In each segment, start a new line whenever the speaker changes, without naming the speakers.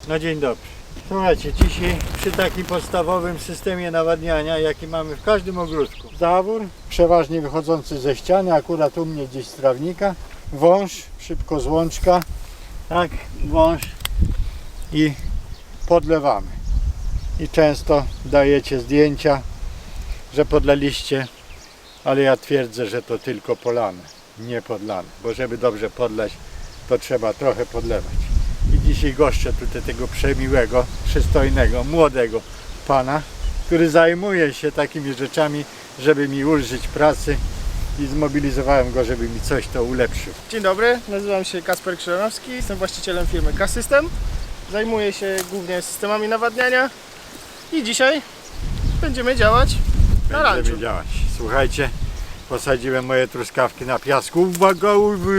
No dzień dobry. Słuchajcie, dzisiaj przy takim podstawowym systemie nawadniania, jaki mamy w każdym ogródku. Zawór, przeważnie wychodzący ze ściany, akurat u mnie gdzieś z trawnika. Wąż, szybko z łączka. Tak, wąż i podlewamy. I często dajecie zdjęcia, że podlaliście, ale ja twierdzę, że to tylko polane, nie podlane. Bo żeby dobrze podlać, to trzeba trochę podlewać. I dzisiaj goszczę tutaj tego przemiłego, przystojnego, młodego pana, który zajmuje się takimi rzeczami, żeby mi ulżyć pracy i zmobilizowałem go, żeby mi coś to ulepszył.
Dzień dobry, nazywam się Kasper Krzyżanowski, jestem właścicielem firmy K-System. Zajmuję się głównie systemami nawadniania i dzisiaj będziemy działać na ranczu.
Będziemy działać. Słuchajcie, posadziłem moje truskawki na piasku. Uwaga,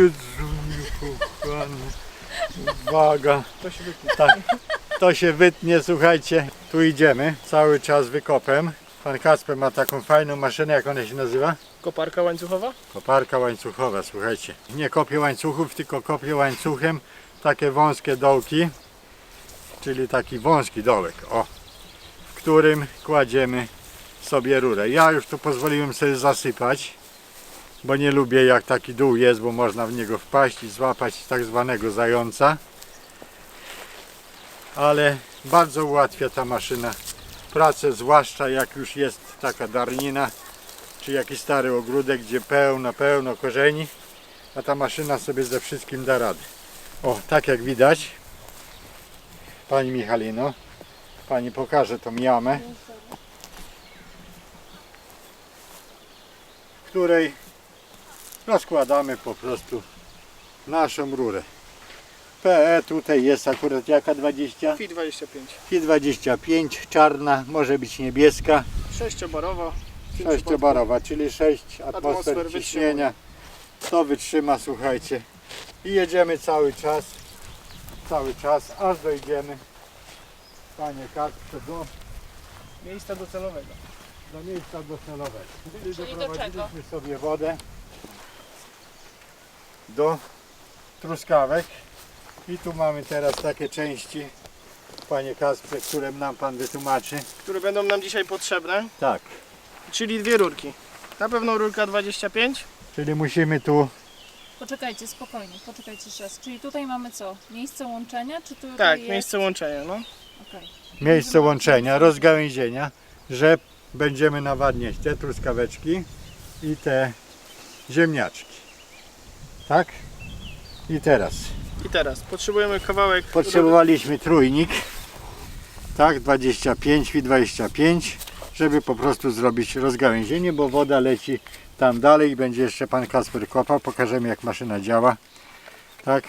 uwaga.
To się wytnie.
Tak, to się wytnie, słuchajcie. Tu idziemy, cały czas wykopem. Pan Kasper ma taką fajną maszynę, jak ona się nazywa?
Koparka łańcuchowa?
Koparka łańcuchowa, słuchajcie. Nie kopię łańcuchów, tylko kopię łańcuchem takie wąskie dołki, czyli taki wąski dołek, o, w którym kładziemy sobie rurę. Ja już tu pozwoliłem sobie zasypać, bo nie lubię jak taki dół jest, bo można w niego wpaść i złapać tak zwanego zająca. Ale bardzo ułatwia ta maszyna pracę, zwłaszcza jak już jest taka darnina, czy jakiś stary ogródek, gdzie pełno korzeni, a ta maszyna sobie ze wszystkim da radę. O, tak jak widać, Pani Michalino, Pani pokaże tą jamę, w której rozkładamy po prostu naszą rurę. PE tutaj jest akurat jaka 20?
FI 25.
FI 25, czarna, może być niebieska,
6-barowa.
6-barowa, czyli 6 atmosfer
Atmosfer
ciśnienia. To wytrzyma, słuchajcie. I jedziemy cały czas, aż dojdziemy, Panie Kasprze,
Miejsca docelowego.
do miejsca docelowego. Czyli
Czyli do
doprowadziliśmy sobie wodę do truskawek. I tu mamy teraz takie części, Panie Kasprze, które nam Pan wytłumaczy.
Które będą nam dzisiaj potrzebne,
Tak,
czyli dwie rurki. Na pewno rurka 25.
czyli musimy tu,
Poczekajcie, spokojnie, poczekajcie jeszcze raz. Czyli tutaj mamy co? Miejsce łączenia, czy tutaj
Tak,
jest...
miejsce łączenia. No.
Okej.
miejsce łączenia, rozgałęzienia, że będziemy nawadniać te truskaweczki i te ziemniaczki. Tak? I teraz
I teraz potrzebujemy kawałek
potrzebowaliśmy trójnik, tak, 25 i 25, żeby po prostu zrobić rozgałęzienie, bo woda leci tam dalej i będzie jeszcze Pan Kasper kopał. Pokażemy, jak maszyna działa. Tak.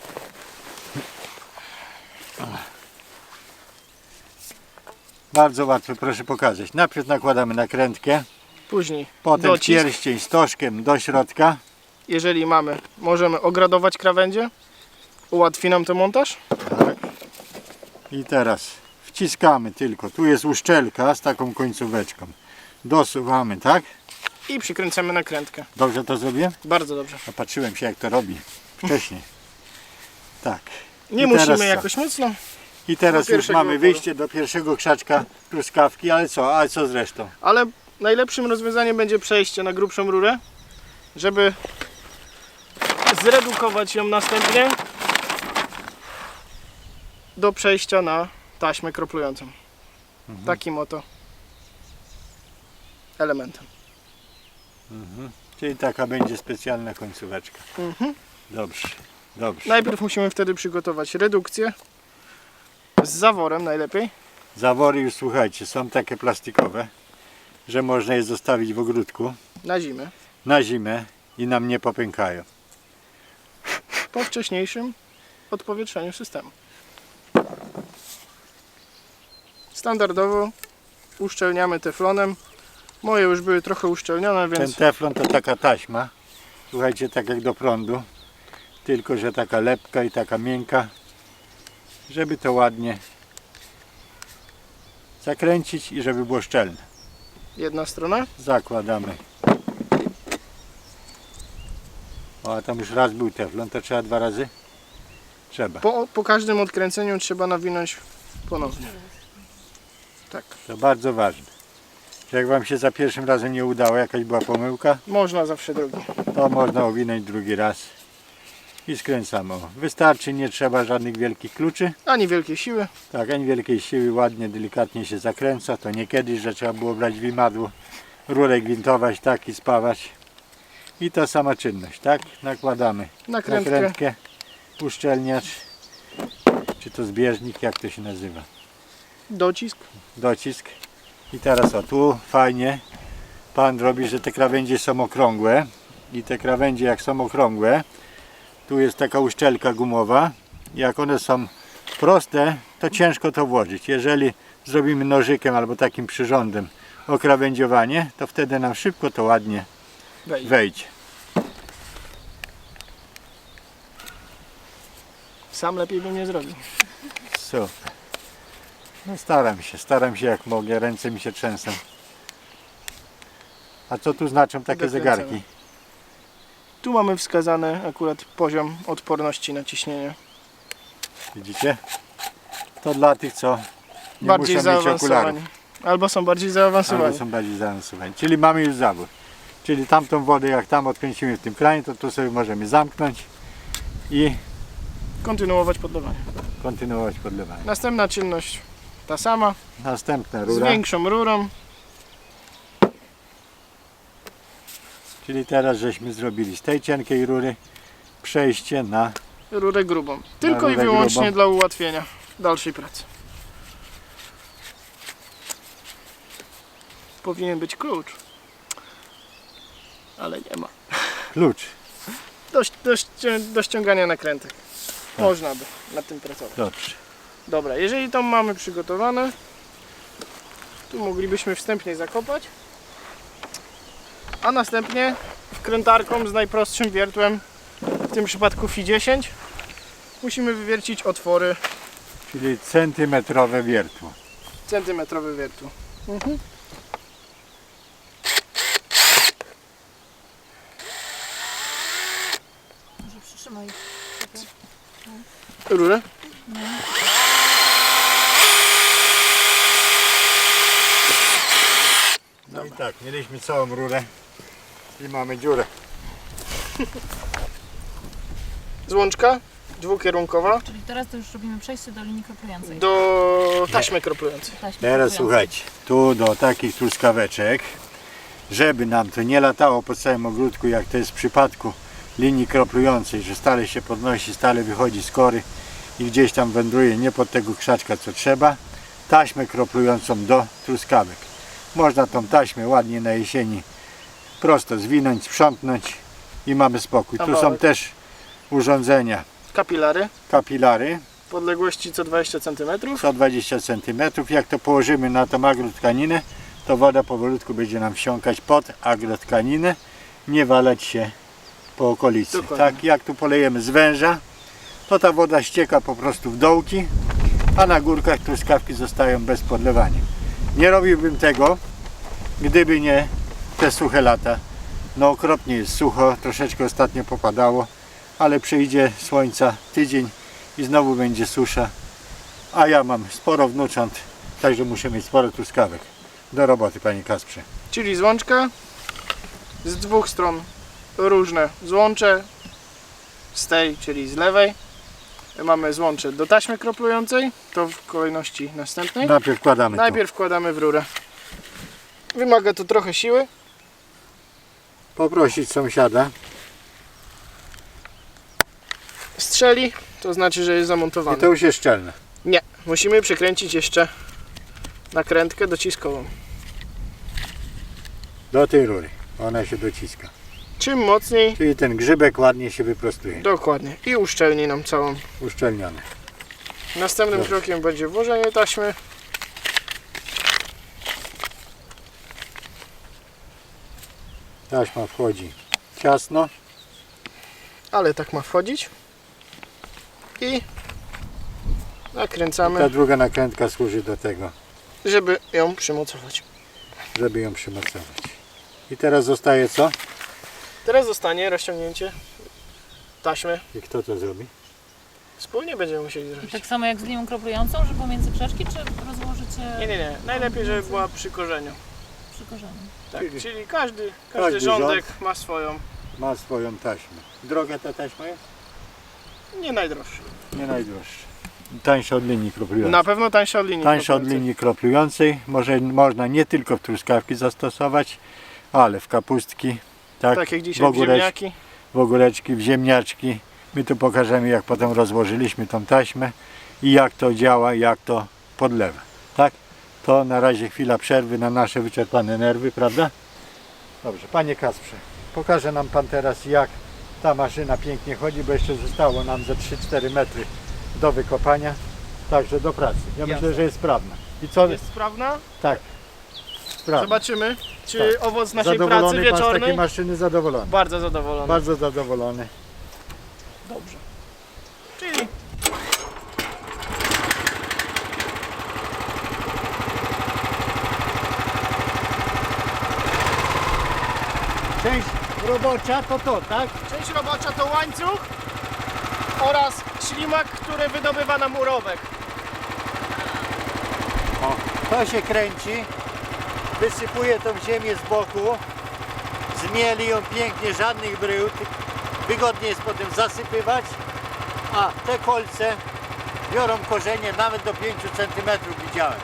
Bardzo łatwo, proszę pokazać. Najpierw nakładamy nakrętkę,
Później
potem
docisk.
pierścień stożkiem do środka.
Jeżeli mamy, możemy ogradować krawędzie. Ułatwi nam to montaż.
Tak. I teraz wciskamy tylko. Tu jest uszczelka z taką końcóweczką. Dosuwamy, tak?
I przykręcamy nakrętkę.
Dobrze to zrobię?
Bardzo dobrze.
Patrzyłem się, jak to robi wcześniej. Tak.
Nie
I teraz
musimy
co?
jakoś mocno.
I teraz
Do
już
pierwszego
mamy
oporu.
wyjście do pierwszego krzaczka truskawki, ale co? A co z resztą?
Ale najlepszym rozwiązaniem będzie przejście na grubszą rurę, żeby zredukować ją następnie do przejścia na taśmę kroplującą. Takim oto elementem.
Czyli taka będzie specjalna końcóweczka. Dobrze, dobrze.
Najpierw musimy wtedy przygotować redukcję z zaworem najlepiej.
Zawory już, słuchajcie, są takie plastikowe, że można je zostawić w ogródku
Na zimę.
na zimę i nam nie popękają.
Po wcześniejszym odpowietrzeniu systemu. Standardowo uszczelniamy teflonem. Moje już były trochę uszczelnione,
Ten
więc
teflon to taka taśma, słuchajcie, tak jak do prądu, tylko że taka lepka i taka miękka, żeby to ładnie zakręcić i żeby było szczelne.
jedna strona.
Zakładamy. O, a tam już raz był teflon, to trzeba 2 razy? Trzeba.
Po każdym odkręceniu trzeba nawinąć ponownie. Tak.
To bardzo ważne. Jak Wam się za pierwszym razem nie udało, jakaś była pomyłka,
Można zawsze drugi.
to można owinąć drugi raz i skręcamy. O, wystarczy, nie trzeba żadnych wielkich kluczy.
Ani wielkiej siły.
Tak, ani wielkiej siły, ładnie, delikatnie się zakręca. To nie kiedyś, że trzeba było brać wimadło, rurę gwintować, tak i spawać. I ta sama czynność, tak? Nakładamy nakrętkę, uszczelniacz, czy to zbieżnik, jak to się nazywa,
Docisk.
docisk. I teraz o, tu fajnie Pan robi, że te krawędzie są okrągłe i te krawędzie jak są okrągłe, tu jest taka uszczelka gumowa. Jak one są proste, to ciężko to włożyć. Jeżeli zrobimy nożykiem albo takim przyrządem okrawędziowanie, to wtedy nam szybko to ładnie wejdzie.
Sam lepiej bym nie zrobił.
Super. No staram się jak mogę, ręce mi się trzęsą. A co tu znaczą takie
Dokręcamy.
zegarki?
Tu mamy wskazany akurat poziom odporności na ciśnienie.
Widzicie? To dla tych, co nie
Bardziej
muszą mieć okularów.
zaawansowani. Albo są bardziej zaawansowani.
Albo są bardziej zaawansowani. Czyli mamy już zawór. Czyli tamtą wodę, jak tam odkręcimy w tym kranie, to tu sobie możemy zamknąć i
Kontynuować podlewanie.
kontynuować podlewanie.
Następna czynność ta sama.
Następna
Z
rura.
większą rurą.
Czyli teraz żeśmy zrobili z tej cienkiej rury przejście na
Rurę grubą. Tylko
rurę
i wyłącznie
grubą.
dla ułatwienia dalszej pracy. Powinien być klucz. Ale nie ma.
klucz.
Do ściągania nakrętek. Można by nad tym pracować.
Dobrze.
Dobra, jeżeli to mamy przygotowane, tu moglibyśmy wstępnie zakopać, a następnie wkrętarką z najprostszym wiertłem, w tym przypadku FI 10, musimy wywiercić otwory
Czyli centymetrowe wiertło.
centymetrowe wiertło.
Może przytrzymaj.
Rurę.
No i tak, mieliśmy całą rurę i mamy dziurę.
Złączka dwukierunkowa
Czyli teraz to już robimy przejście do linii kroplującej.
do taśmy kroplującej.
Taśmy
Teraz
kroplującej.
słuchajcie, tu do takich truskaweczek, żeby nam to nie latało po całym ogródku, jak to jest w przypadku linii kroplującej, że stale się podnosi, stale wychodzi z kory i gdzieś tam wędruje nie pod tego krzaczka co trzeba, taśmę kroplującą do truskawek. Można tą taśmę ładnie na jesieni prosto zwinąć, sprzątnąć i mamy spokój. Tu są
Kawałek.
też urządzenia,
Kapilary
kapilary,
podległości co 20 cm.
120 cm. Jak to położymy na tą agrotkaninę, to woda powolutku będzie nam wsiąkać pod agrotkaninę, nie walać się po okolicy.
Dokładnie.
Tak jak tu polejemy z węża, to ta woda ścieka po prostu w dołki, a na górkach truskawki zostają bez podlewania. Nie robiłbym tego, gdyby nie te suche lata. No okropnie jest sucho, troszeczkę ostatnio popadało, ale przyjdzie słońca tydzień i znowu będzie susza. A ja mam sporo wnucząt, także muszę mieć sporo truskawek. Do roboty, panie Kasprze.
Czyli złączka z dwóch stron różne złącze, z tej, czyli z lewej mamy złącze do taśmy kroplującej, to w kolejności następnej.
Najpierw wkładamy
Najpierw wkładamy w rurę. Wymaga to trochę siły.
tu. Poprosić sąsiada.
Strzeli, to znaczy, że jest
I
zamontowany.
to już jest szczelne.
Nie, musimy przykręcić jeszcze nakrętkę dociskową.
Do tej rury. Ona się dociska.
Czym mocniej,
Czyli ten grzybek ładnie się wyprostuje.
dokładnie. I uszczelni nam całą.
Uszczelniony.
Następnym
Dobrze.
krokiem będzie włożenie taśmy.
Taśma wchodzi ciasno.
Ale tak ma wchodzić. I nakręcamy,
Ta druga nakrętka służy do tego,
żeby ją przymocować.
żeby ją przymocować. I teraz zostaje co?
Teraz zostanie rozciągnięcie taśmy.
I kto to zrobi?
Wspólnie będziemy musieli
I
zrobić.
tak samo jak z linią kroplującą, że pomiędzy przeczki, czy rozłożycie
Nie. Najlepiej, żeby była przy korzeniu.
przy korzeniu?
Tak,
Czyli-
czyli każdy
każdy
rządek ma swoją,
Ma swoją taśmę. Droga ta taśma jest?
nie najdroższą.
Nie najdroższa. Tańsza od linii kroplującej.
Na pewno tańsza od linii.
Tańsza od
kroplującej.
linii kroplującej. Można nie tylko w truskawki zastosować, ale w kapustki, tak,
Tak jak
w
dzisiaj w ziemniaki.
w ogóreczki, w ziemniaczki. My tu pokażemy, jak potem rozłożyliśmy tą taśmę i jak to działa, jak to podlewa. Tak? To na razie chwila przerwy na nasze wyczerpane nerwy, prawda? Dobrze, panie Kasprze, pokaże nam pan teraz, jak ta maszyna pięknie chodzi, bo jeszcze zostało nam ze 3-4 metry do wykopania. Także do pracy. Ja
Jasne.
myślę, że jest sprawna. I co?
Jest sprawna?
Tak. Sprawna.
Zobaczymy, czy owoc naszej pracy
Zadowolony pan z takiej
wieczornej.
maszyny? Zadowolony.
Bardzo zadowolony.
Bardzo zadowolony.
Dobrze. Czyli
Część robocza to to, tak?
część robocza to łańcuch oraz ślimak, który wydobywa nam urobek.
O, to się kręci, wysypuje tą ziemię z boku, zmieli ją pięknie, żadnych brył, wygodnie jest potem zasypywać, a te kolce biorą korzenie nawet do 5 cm widziałem.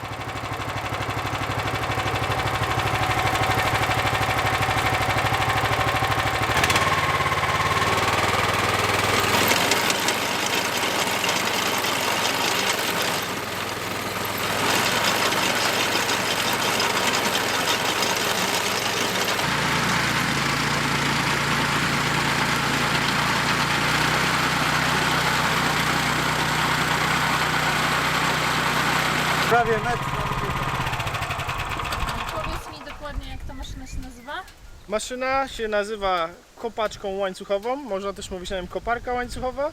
Prawie metr.
Powiedz mi dokładnie, jak ta maszyna się nazywa?
Maszyna się nazywa kopaczką łańcuchową, można też mówić na nim koparka łańcuchowa.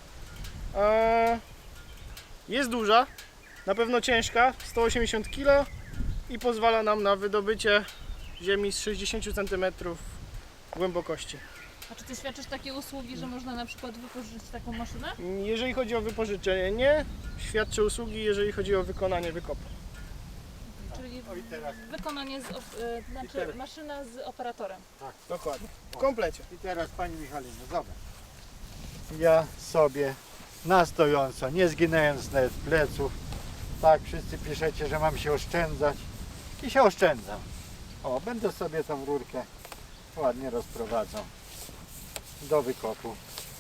Jest duża, na pewno ciężka, 180 kg i pozwala nam na wydobycie ziemi z 60 cm głębokości.
A czy ty świadczysz takie usługi, że można na przykład wypożyczyć taką maszynę?
Jeżeli chodzi o wypożyczenie, nie. Świadczę usługi, jeżeli chodzi o wykonanie wykopu.
Czyli
O, i teraz.
wykonanie, znaczy
teraz.
maszyna z operatorem.
Dokładnie. W komplecie.
I teraz pani Michalino, zobacz. Ja sobie na stojąco, nie zginając nawet pleców, tak wszyscy piszecie, że mam się oszczędzać i się oszczędzam. O, będę sobie tą rurkę ładnie rozprowadzał do wykopu.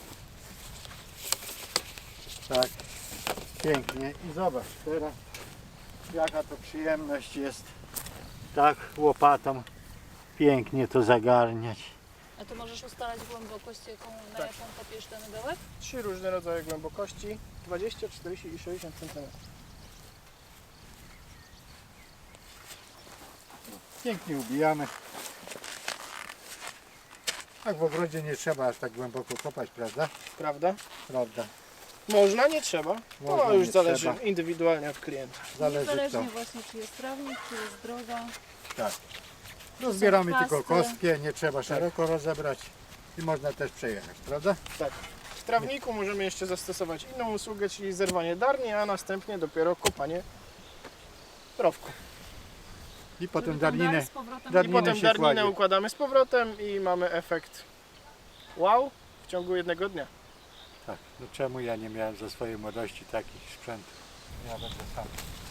Tak, pięknie. I zobacz teraz, jaka to przyjemność jest tak łopatą pięknie to zagarniać.
A to możesz ustalać głębokość, na
Tak.
jaką kopiesz ten dołek?
3 różne rodzaje głębokości, 20, 40 i 60 cm.
Pięknie ubijamy. Tak w ogrodzie nie trzeba aż tak głęboko kopać, prawda?
Prawda?
Prawda.
Można, nie trzeba.
Można,
To już
nie
zależy
trzeba.
indywidualnie od klienta.
Zależy
Niezależnie
co.
właśnie, czy jest trawnik, czy jest droga.
Tak. Rozbieramy tylko
pasty.
kostkę, nie trzeba szeroko rozebrać i można też przejechać, prawda?
W trawniku możemy jeszcze zastosować inną usługę, czyli zerwanie darni, a następnie dopiero kopanie rowku.
I potem
Żeby ten dar
darninę.
z powrotem
I
Darninę
potem
się
darninę
kładzie.
układamy z powrotem i mamy efekt wow w ciągu jednego dnia.
Tak. No czemu ja nie miałem za swojej młodości takich sprzętów? Ja będę sam.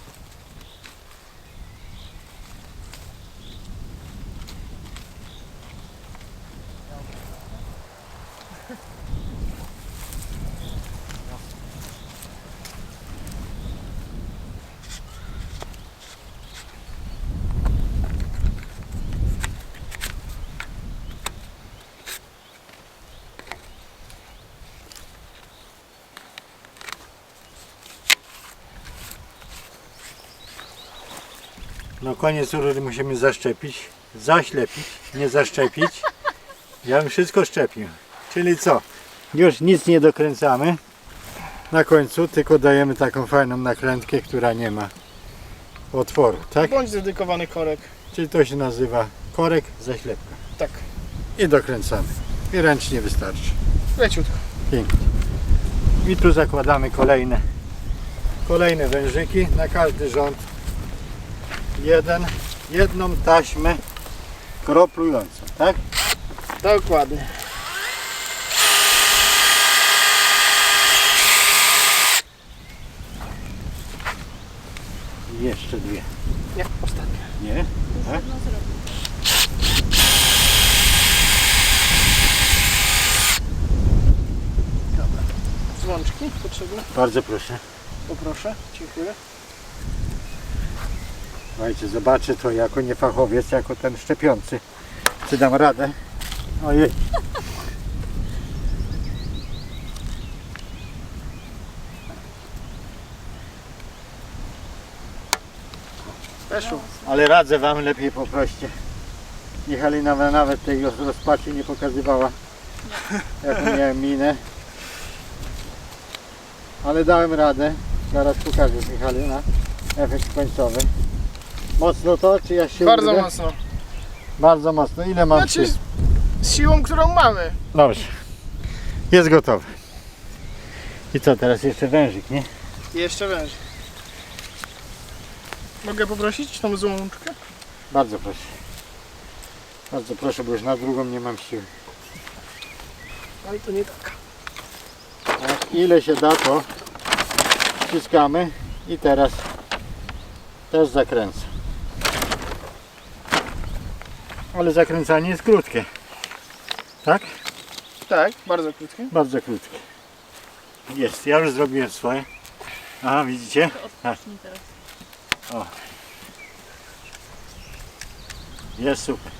No koniec rury musimy zaszczepić, zaślepić, nie zaszczepić. Ja bym wszystko szczepił. Czyli co? Już nic nie dokręcamy. Na końcu tylko dajemy taką fajną nakrętkę, która nie ma otworu, tak?
Bądź dedykowany korek.
Czyli to się nazywa korek, zaślepka.
Tak,
I dokręcamy. I ręcznie wystarczy.
leciutko.
Pięknie. I tu zakładamy kolejne wężyki na każdy rząd. Jedną taśmę kroplującą, tak?
Dokładnie.
I jeszcze dwie.
Nie, ostatnie.
Nie? Tak?
Jedno zrobię.
Dobra. Dzwonczki potrzebne?
Bardzo proszę.
Poproszę. Dziękuję.
Słuchajcie, zobaczę to jako niefachowiec, jako ten szczepiący. Czy dam radę? Ojej.
Weszło.
Ale radzę wam, lepiej poproście. Michalina nawet tej rozpaczy nie pokazywała, jaką miałem minę. Ale dałem radę. Zaraz pokażę Michalina efekt końcowy. Mocno to, czy ja się
Bardzo
udę?
mocno.
Bardzo mocno. Ile mam
Znaczy
sił?
z siłą, którą mamy.
Dobrze. Jest gotowy. I co, teraz jeszcze wężyk, nie?
Jeszcze węż. Mogę poprosić tą złączkę?
Bardzo proszę. Bardzo proszę, bo już na drugą nie mam siły.
Ale to nie taka.
Tak, ile się da, to wciskamy i teraz też zakręcę. Ale zakręcanie jest krótkie. Tak?
Tak, bardzo krótkie.
Bardzo krótkie. Jest, ja już zrobiłem swoje. Aha, widzicie?
To odpocznij teraz.
Jest super.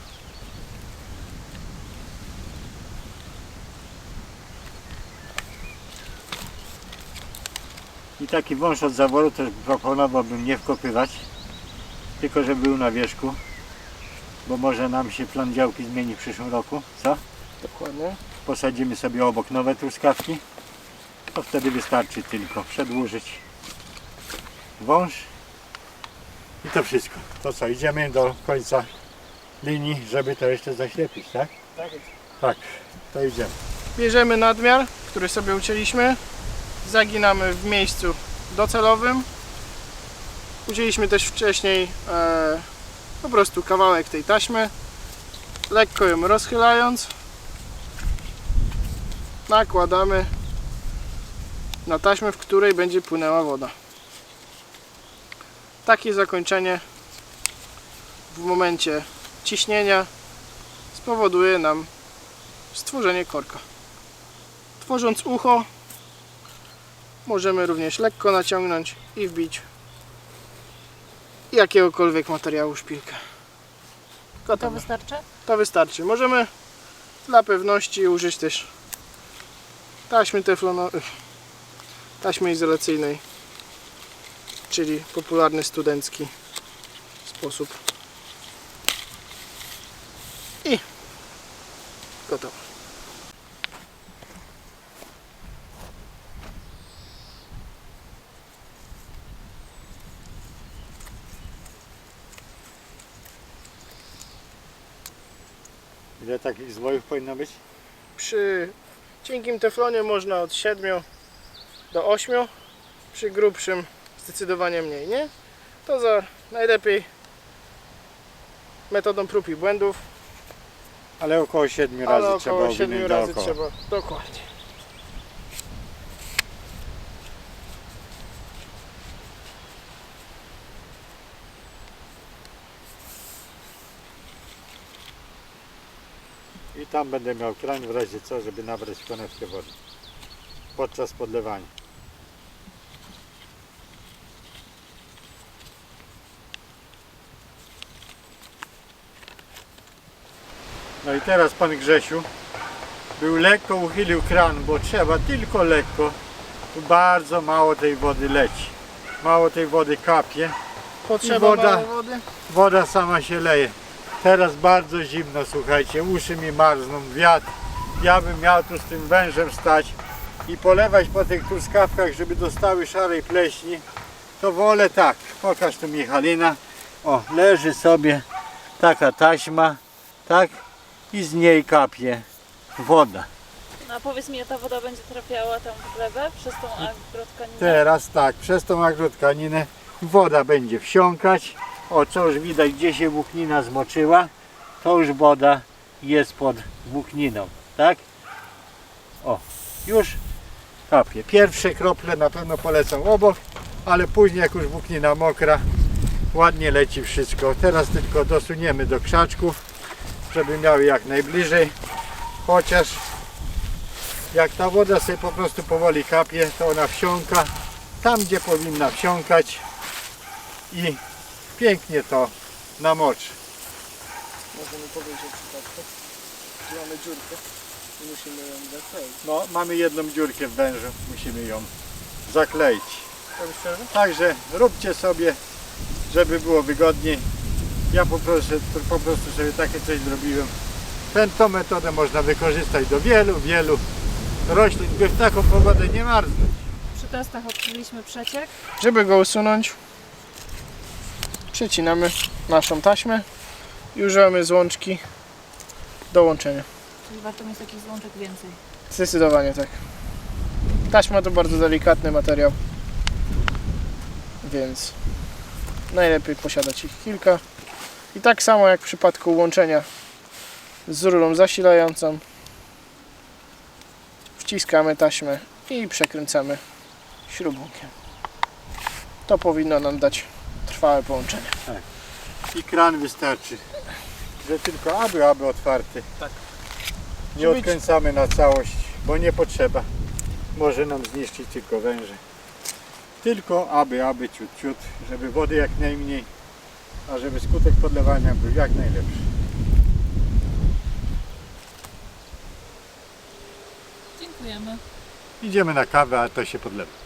I taki wąż od zaworu też proponowałbym nie wkopywać, tylko żeby był na wierzchu, bo może nam się plan działki zmieni w przyszłym roku, co?
Dokładnie.
Posadzimy sobie obok nowe truskawki, to wtedy wystarczy tylko przedłużyć wąż i to wszystko. To co, idziemy do końca linii, żeby to jeszcze zaślepić, tak?
Tak jest.
Tak, to idziemy.
Bierzemy nadmiar, który sobie ucięliśmy. Zaginamy w miejscu docelowym. Ucięliśmy też wcześniej po prostu kawałek tej taśmy. Lekko ją rozchylając. Nakładamy na taśmę, w której będzie płynęła woda. Takie zakończenie w momencie ciśnienia spowoduje nam stworzenie korka. Tworząc ucho, możemy również lekko naciągnąć i wbić jakiegokolwiek materiału szpilkę.
To
Gotowe.
wystarczy?
To wystarczy. Możemy dla pewności użyć też taśmy teflonowej, taśmy izolacyjnej, czyli popularny studencki sposób. I gotowe.
Ile takich zwojów powinno być?
Przy cienkim teflonie można od 7 do 8, przy grubszym zdecydowanie mniej, nie? To za najlepiej metodą prób i błędów,
Ale około 7
ale
razy trzeba
około 7
owinąć
razy
dookoła.
trzeba, dokładnie.
I tam będę miał krań w razie co, żeby nabrać konewkę wody podczas podlewania. No i teraz pan Grzesiu był lekko uchylił kran, bo trzeba tylko lekko. Tu bardzo mało tej wody leci. Mało tej wody kapie.
Potrzeba
woda.
mało wody.
Woda sama się leje. Teraz bardzo zimno, słuchajcie, uszy mi marzną, wiatr. Ja bym miał tu z tym wężem stać i polewać po tych truskawkach, żeby dostały szarej pleśni. To wolę tak. Pokaż tu Michalina. O, leży sobie taka taśma, tak? I z niej kapie woda.
No a powiedz mi, ta woda będzie trafiała tam w glebę przez tą agrotkaninę?
Teraz tak, przez tą agrotkaninę woda będzie wsiąkać. O, co już widać, gdzie się włóknina zmoczyła, to już woda jest pod włókniną, tak? O, już kapie. Pierwsze krople na pewno polecą obok, ale później jak już włóknina mokra, ładnie leci wszystko. Teraz tylko dosuniemy do krzaczków, żeby miały jak najbliżej. Chociaż jak ta woda sobie po prostu powoli kapie, to ona wsiąka tam, gdzie powinna wsiąkać i pięknie to namoczy.
Możemy powiedzieć przypadku, że mamy dziurkę i musimy ją zakleić.
No, mamy jedną dziurkę w wężu, musimy ją zakleić.
Robisz przerwę?
Także róbcie sobie, żeby było wygodniej. Ja po prostu sobie takie coś zrobiłem. Tą metodę można wykorzystać do wielu roślin, by w taką pogodę nie marznąć.
Przy testach odkryliśmy przeciek.
Żeby go usunąć, przecinamy naszą taśmę i używamy złączki do łączenia.
Czyli warto mieć takich złączek więcej.
Zdecydowanie tak. Taśma to bardzo delikatny materiał, więc najlepiej posiadać ich kilka. I tak samo jak w przypadku łączenia z rurą zasilającą, wciskamy taśmę i przekręcamy śrubunkiem. To powinno nam dać trwałe połączenie.
I kran wystarczy, że tylko aby otwarty.
Tak.
Nie odkręcamy na całość, bo nie potrzeba. Może nam zniszczyć tylko węże. Tylko aby ciut, żeby wody jak najmniej, a żeby skutek podlewania był jak najlepszy.
Dziękujemy.
Idziemy na kawę, a to się podlewa.